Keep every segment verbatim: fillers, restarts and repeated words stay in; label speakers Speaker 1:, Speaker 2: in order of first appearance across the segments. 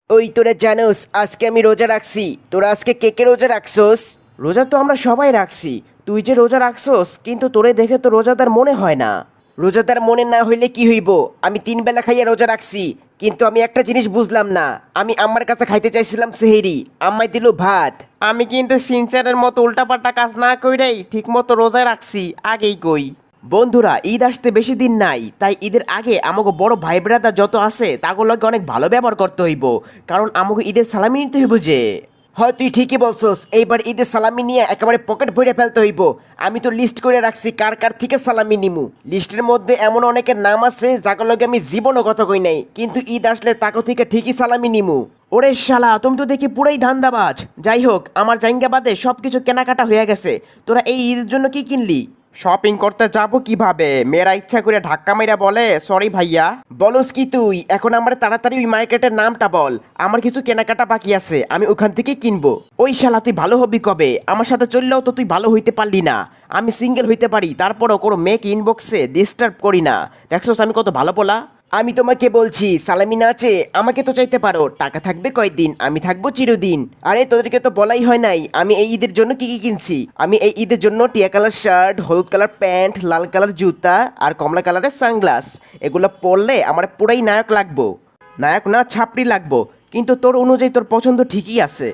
Speaker 1: ওই তোরা জানোস আজকে আমি রোজা রাখছি। তোরা আজকে কে কে রোজা রাখছোস? রোজা তো আমরা সবাই রাখছি। তুই যে রোজা রাখছোস কিন্তু তোরে দেখে তো রোজাদার মনে হয় না। রোজাদার মনে না হইলে কি হইব? আমি তিন বেলা খাইয়া রোজা রাখছি, কিন্তু আমি একটা জিনিস বুঝলাম না। আমি আম্মার কাছে খাইতে চাইছিলাম সেহেরি, আম্মাই দিল ভাত। আমি কিন্তু সিনচারের মতো উল্টাপাল্টা কাজ না কইরাই ঠিক মতো রোজা রাখছি, আগেই কই। বন্ধুরা, ঈদ আসতে বেশি দিন নাই, তাই ঈদের আগে আমাকে বড় ভাই ব্রাদার যত আছে তাগুলোকে অনেক ভালো ব্যবহার করতে হইব, কারণ আমাকে ঈদের সালামি নিতে হইব যে। হয় তুই ঠিকই বলছস, এইবার ঈদের সালামি নিয়ে একেবারে পকেট ভরে ফেলতে হইব। আমি তো লিস্ট করে রাখছি কার কার থেকে সালামি নিমু। লিস্টের মধ্যে এমন অনেকের নাম আছে যাগুলোকে আমি জীবনও কথা কই নাই, কিন্তু ঈদ আসলে তাকে থেকে ঠিকই সালামি নিমু। ওরে শালা, তুমি তো দেখি পুরাই ধান্দাবাজ। যাই হোক, আমার জাইঙ্গা বাদে সব কিছু কেনাকাটা হয়ে গেছে। তোরা এই ঈদের জন্য কি কিনলি? শপিং করতে যাব কিভাবে? মেয়েরা ইচ্ছা করে ধাক্কা মাইরা বলে সরি ভাইয়া। বলস কি তুই? এখন আমার তাড়াতাড়ি ওই মার্কেটের নামটা বল, আমার কিছু কেনাকাটা বাকি আছে, আমি ওখান থেকে কিনবো। ওই শালা, তুই ভালো হবি কবে? আমার সাথে চললেও তো তুই ভালো হইতে পারলি না। আমি সিঙ্গেল হইতে পারি, তারপরও কোনো মেয়েকে ইনবক্সে ডিস্টার্ব করি না। দেখছোস আমি কত ভালো বলা। আমি তোমাকে বলছি সালামি না আছে, আমাকে তো চাইতে পারো। টাকা থাকবে কয়দিন, আমি থাকবো চিরদিন। আরে তোদেরকে তো বলাই হয় নাই আমি এই ঈদের জন্য কি কি কিনছি। আমি এই ঈদের জন্য টিয়া কালার শার্ট, হলুদ কালার প্যান্ট, লাল কালার জুতা আর কমলা কালারের সানগ্লাস। এগুলো পরলে আমার পুরাই নায়ক লাগবো। নায়ক না, ছাপড়ি লাগবো। কিন্তু তোর অনুযায়ী তোর পছন্দ ঠিকই আছে।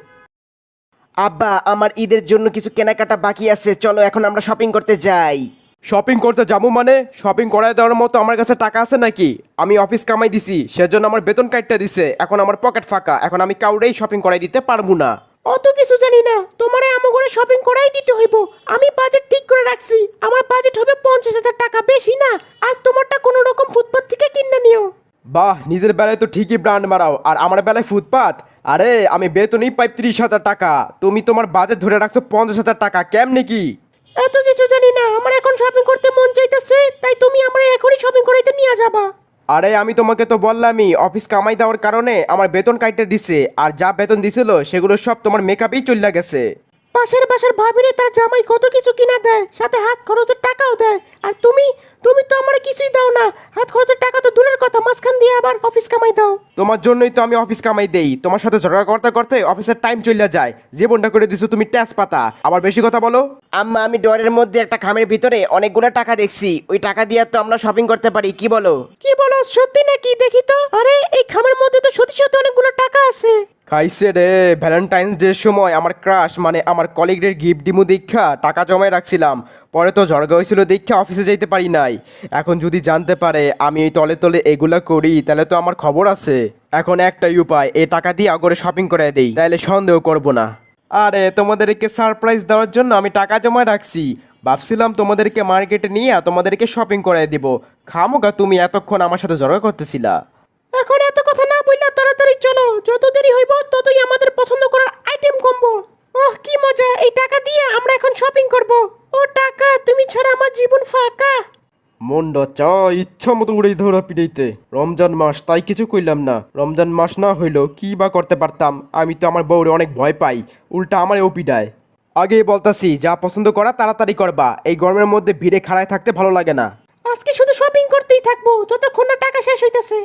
Speaker 1: আব্বা, আমার ঈদের জন্য কিছু কেনাকাটা বাকি আছে, চলো এখন আমরা শপিং করতে যাই।
Speaker 2: শপিং করতে যাবো মানে? শপিং করায় দেওয়ার মতো আমার কাছে টাকা আছে নাকি? আমি অফিস কামাই দিছি, সেজন্য আমার বেতন কাটতে দিছে। এখন আমার পকেট ফাঁকা, এখন আমি কাউরেই শপিং করাই দিতে পারবো না।
Speaker 3: অত কিছু জানি না, তোমারে আমগরে শপিং করাই দিতে হইব। আমি বাজেট ঠিক করে রাখছি, আমার বাজেট হবে পঞ্চাশ হাজার টাকা, বেশি না। আর তোমারটা কোনো রকম ফুটপাত থেকে কিনে নিও।
Speaker 2: বাহ, নিজের বেলায় তো ঠিকই ব্র্যান্ড মারাও, আর আমার বেলায় ফুটপাত। আরে আমি বেতনই পাই ত্রিশ হাজার টাকা, তুমি তোমার বাজেট ধরে রাখছো পঞ্চাশ হাজার টাকা, কেমনে কি?
Speaker 3: এত কিছু জানি না, আমার এখন শপিং করতে মন চাইতেছে, তাই তুমি আমার এখনই শপিং করাইতে নিয়ে যাবা।
Speaker 2: আরে আমি তোমাকে তো বললামই অফিস কামাই দেওয়ার কারণে আমার বেতন কাটতে দিছে, আর যা বেতন দিছিল সেগুলো সব তোমার মেকআপেই চলে গেছে।
Speaker 3: পাশের বাসার ভাবিরে তার জামাই কত কিছু কিনা দেয়, সাথে হাত খরচের টাকাও দেয়। আর তুমি তুমি তো আমার কিছুই দাও না। হাত খরচের টাকা তো দূরের কথা, মাঝখান দিয়ে আবার অফিস কামাই দাও।
Speaker 2: তোমার জন্যই তো আমি অফিস কামাই দেই। তোমার সাথে ঝগড়া করতে করতে অফিসের টাইম চলে যায়, জীবনটা করে দিছো তুমি ট্যাস পাতা। আবার বেশি কথা বলো।
Speaker 1: আম্মা, আমি ডরের মধ্যে একটা খামের ভিতরে অনেকগুলো টাকা দেখছি, ওই টাকা দিয়ে তো আমরা শপিং করতে পারি, কি বলো?
Speaker 3: কি বলো, সত্যি নাকি? দেখি তো। আরে এই খামের মধ্যে তো সত্যি সত্যি অনেকগুলো টাকা আছে।
Speaker 2: খাইছে রে, ভ্যালেন্টাইন্স ডের সময় আমার ক্রাশ মানে আমার কলিগদের গিফট দিমু দীক্ষা টাকা জমায় রাখছিলাম। পরে তো ঝড়গা হয়েছিল দীক্ষা অফিসে যেতে পারি নাই। এখন যদি জানতে পারে আমি এই তলে তলে এগুলা করি, তাহলে তো আমার খবর আছে। এখন একটাই উপায়, এই টাকা দিয়ে আগরে শপিং করে দেই, তাহলে সন্দেহ করব না। আরে তোমাদেরকে সারপ্রাইজ দেওয়ার জন্য আমি টাকা জমায় রাখছি। ভাবছিলাম তোমাদেরকে মার্কেটে নিয়ে তোমাদেরকে শপিং করাই দিব। খামোগা তুমি এতক্ষণ আমার সাথে ঝগড়া করতেছিলা।
Speaker 3: এখন এত কথা না বললা তাড়াতাড়ি চলো, যত দেরি হইব ততই আমাদের পছন্দ করার আইটেম কমবো। ওহ কি মজা, এই টাকা দিয়ে আমরা এখন শপিং করব। ও টাকা, তুমি ছাড়া আমার জীবন ফাঁকা।
Speaker 2: মন্ড চা ইচ্ছা মতো উড়ে ধরা পিড়াইতে। রমজান মাস তাই কিছু কইলাম না। রমজান মাস না হইলেও কি বা করতে পারতাম। আমি তো আমার বউরে অনেক ভয় পাই, উল্টা আমারও পিডায়। আগেই বলতাছি যা পছন্দ করা তাড়াতাড়ি করবা, এই গরমের মধ্যে ভিড়ে খাড়ায় থাকতে ভালো লাগে না।
Speaker 3: আজকে শুধু শপিং করতেই থাকবো যতক্ষণ না টাকা শেষ হইতেছে।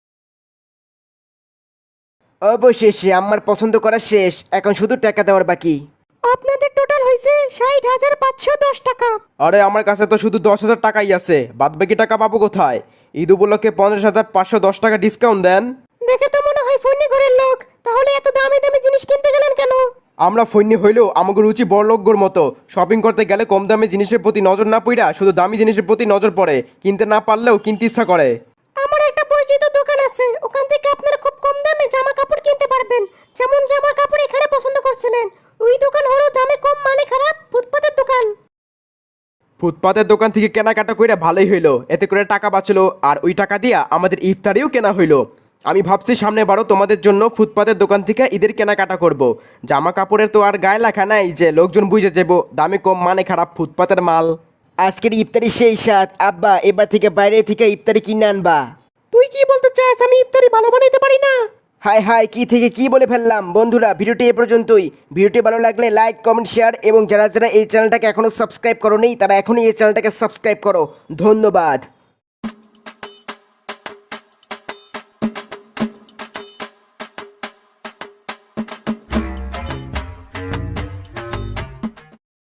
Speaker 1: অবশেষে আমার পছন্দ করা শেষ, এখন শুধু টাকা দেওয়ার বাকি।
Speaker 3: আপনাদের টোটাল হয়েছে ষাট হাজার পাঁচশো দশ টাকা।
Speaker 2: আরে আমার কাছে তো শুধু দশ হাজার টাকাই আছে, বাদ বাকি টাকা পাবো কোথায়? ঈদ উপলক্ষে পঞ্চাশ হাজার পাঁচশো দশ টাকা ডিসকাউন্ট দেন।
Speaker 3: দেখে তো মনে হয় ফোনে ঘরের লোক, তাহলে এত দামি দামি জিনিস কিনতে গেলেন কেন?
Speaker 2: আমরা ফৈন্য হইলেও আমাকে রুচি বড়লোকগোর মতো। শপিং করতে গেলে কম দামি জিনিসের প্রতি নজর না পড়া শুধু দামি জিনিসের প্রতি নজর পড়ে, কিনতে না পারলেও কিনতে ইচ্ছা করে।
Speaker 3: আমার একটা পরিচিত দোকান আছে, ওখান থেকে আপনারা খুব কম দামে জামা কাপড় কিনতে পারবেন। যেমন জামা কাপড় এখানে পছন্দ করছিলেন, ওই দোকান হলো দামে কম মানে খারাপ, ফুটপাতের দোকান।
Speaker 2: ফুটপাতের দোকান থেকে কেনাকাটা কইরা ভালোই হইলো, এতে করে টাকা বাঁচলো, আর ওই টাকা দিয়া আমাদের ইফতারিও কেনা হইলো। আমি ভাবছি সামনে বারো তোমাদের জন্য ফুটপাতের দোকান থেকে ঈদের কেনাকাটা করব। জামা কাপড়ের তো আর গায়ে লেখা নাই যে লোকজন বুঝে যাবো দামে কম মানে খারাপ ফুটপাতের মাল।
Speaker 1: আজকের ইফতারি সেই সাত, আব্বা এবার থেকে বাইরে থেকে ইফতারি কিনে আনবা।
Speaker 3: তুই কি বলতে চাস আমি ইফতারি ভালো বানাইতে পারি না?
Speaker 1: হাই হাই, কি থেকে কি বলে ফেললাম। বন্ধুরা, ভিডিওটি এ পর্যন্তই। ভিডিওটি ভালো লাগলে লাইক কমেন্ট শেয়ার, এবং যারা যারা এই চ্যানেলটাকে এখনো সাবস্ক্রাইব করো নি তারা এখনই এই চ্যানেলটাকে সাবস্ক্রাইব করো। ধন্যবাদ।